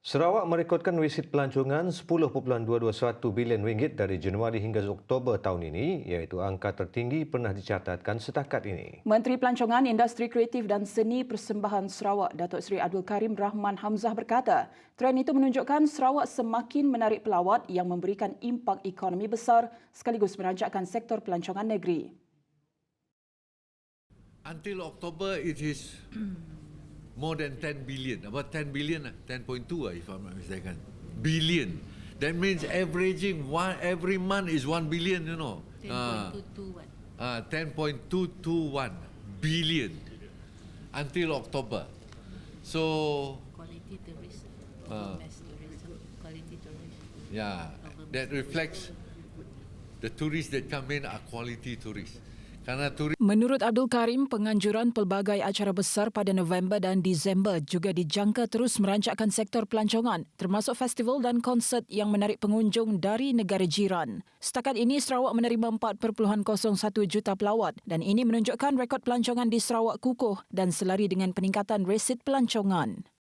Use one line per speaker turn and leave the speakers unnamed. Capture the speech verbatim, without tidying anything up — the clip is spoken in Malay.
Sarawak merekodkan wisit pelancongan sepuluh perpuluhan dua dua satu bilion ringgit dari Januari hingga Oktober tahun ini, iaitu angka tertinggi pernah dicatatkan setakat ini.
Menteri Pelancongan, Industri Kreatif dan Seni Persembahan Sarawak, Datuk Seri Abdul Karim Rahman Hamzah berkata, trend itu menunjukkan Sarawak semakin menarik pelawat yang memberikan impak ekonomi besar sekaligus merajakkan sektor pelancongan negeri.
Until October, it is more than ten billion, about ten billion, ten point two if I'm not mistaken, billion. That means averaging one every month is one billion, you know. ten point two two one billion until October. So,
quality tourism,
uh,
mass tourism, quality tourism.
yeah, that reflects the tourists that come in are quality tourists. Karena turis
Menurut Abdul Karim, penganjuran pelbagai acara besar pada November dan Disember juga dijangka terus merancakkan sektor pelancongan, termasuk festival dan konsert yang menarik pengunjung dari negara jiran. Setakat ini, Sarawak menerima empat perpuluhan kosong satu juta pelawat dan ini menunjukkan rekod pelancongan di Sarawak kukuh dan selari dengan peningkatan resit pelancongan.